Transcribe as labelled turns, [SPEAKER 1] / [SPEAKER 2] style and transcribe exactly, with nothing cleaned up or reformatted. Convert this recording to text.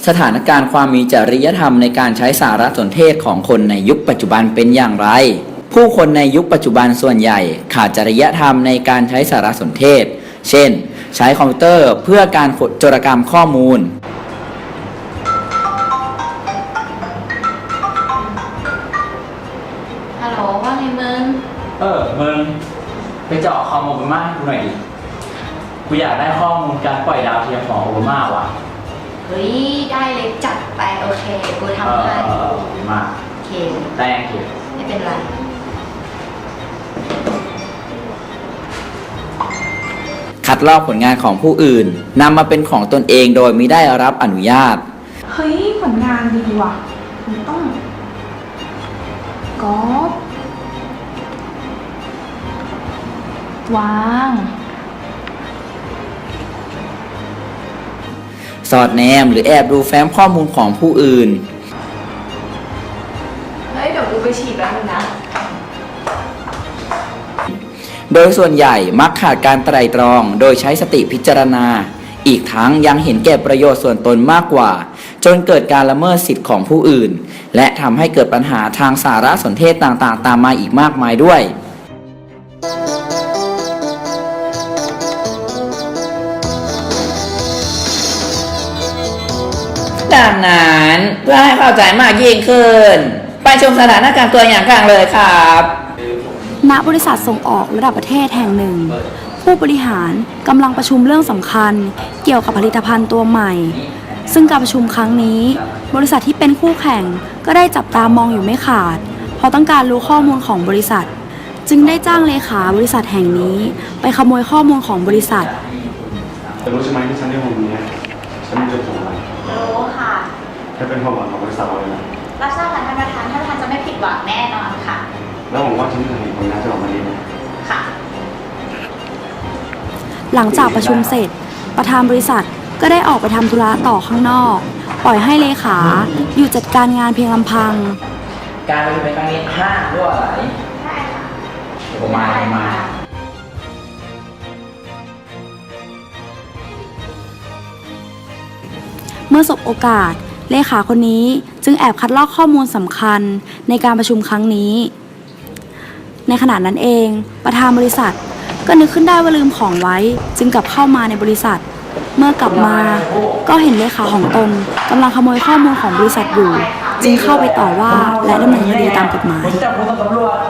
[SPEAKER 1] ถานการณ์ความมีจริยธรรมในการใช้สารสนเทศของคนในยุคปัจจุบันเป็นอย่างไรผู้คนในยุคปัจจุบันส่วนใหญ่ขาดจริยธรรมในการใช้สารสนเทศเช่นใช้คอมพิวเตอร์เพื่อการโจรกรรมข้อมูล
[SPEAKER 2] ฮัลโหลว่าไงมึง
[SPEAKER 1] เออมึงไปเจาะคอมโอเบามาให้กูหน่อยดิกูอยากได้ข้อมูลการปล่อยดาวเทียมของโอเบามาว่ะ
[SPEAKER 2] เฮ้ยได้เลยจัดไปโอเคกูทำให้
[SPEAKER 1] เออโอเบามา
[SPEAKER 2] โอเค
[SPEAKER 1] แต่งเก็บ
[SPEAKER 2] ไม่เป็นไร
[SPEAKER 1] คัดลอกผลงานของผู้อื่นนำมาเป็นของตนเองโดยมิได้รับอนุญาต
[SPEAKER 3] เฮ้ยผลงานดีว่ะมันต้องก๊อปวาง
[SPEAKER 1] สอดแนมหรือแอบดูแฟ้มข้อมูลของผู้อื่น
[SPEAKER 2] เฮ้ยเดี๋ยวกูไปฉีดแป๊บนึงนะ
[SPEAKER 1] โดยส่วนใหญ่มักขาดการไตร่ตรองโดยใช้สติพิจารณาอีกทั้งยังเห็นแก่ประโยชน์ส่วนตนมากกว่าจนเกิดการละเมิดสิทธิ์ของผู้อื่นและทำให้เกิดปัญหาทางสารสนเทศต่างๆตามมาอีกมากมายด้วยดังนั้นเพื่อให้เข้าใจมากยิ่งขึ้นไปชมสถานการณ์ตัวอย่างกันเลยครับ
[SPEAKER 3] ณบริษัทส่งออกระดับประเทศแห่งหนึ่งผู้บริหารกำลังประชุมเรื่องสำคัญเกี่ยวกับผลิตภัณฑ์ตัวใหม่ซึ่งการประชุมครั้งนี้บริษัทที่เป็นคู่แข่งก็ได้จับตามองอยู่ไม่ขาดเพราะต้องการรู้ข้อมูลของบริษัทจึงได้จ้างเลขาบริษัทแห่งนี้ไปขโมยข้อมูลของบริษัท
[SPEAKER 4] รู้ใช่ไหมที่ฉันได้วันนี้ฉันมีจุดประสงค์อะไร
[SPEAKER 2] รู้ค่ะ
[SPEAKER 4] ถ้าเป็นความหวังของบริษัทเราเลยนะ
[SPEAKER 2] รับทราบค่ะท่านประธานท่านประธานจะไม่ผิดหวังแน่นอนค่ะ
[SPEAKER 4] แล้วหวังว่าฉันจะเห็นผลงานจะออกมาดีนะ
[SPEAKER 2] ค่ะ
[SPEAKER 3] หลังจากประชุมเสร็จประธานบริษัทก็ได้ออกไปทำธุระต่อข้างนอกปล่อยให้เลขาอยู่จัดการงานเพียงลำพัง
[SPEAKER 1] การประชุมในครั้งนี้ห้ามรั่วไหล
[SPEAKER 2] ใช่ค่ะ
[SPEAKER 1] ผมมาผมมา
[SPEAKER 3] เมื่อสบโอกาสเลขาคนนี้จึงแอบคัดลอกข้อมูลสำคัญในการประชุมครั้งนี้ในขณะนั้นเองประธานบริษัทก็นึกขึ้นได้ว่าลืมของไว้จึงกลับเข้ามาในบริษัทเมื่อกลับมาก็เห็นเลขาของตนกำลังขโมยข้อมูลของบริษัทอยู่จึงเข้าไปต่อว่าและดำเนินคดีตามกฎหมาย
[SPEAKER 1] จับผู้ต้องตำรวจ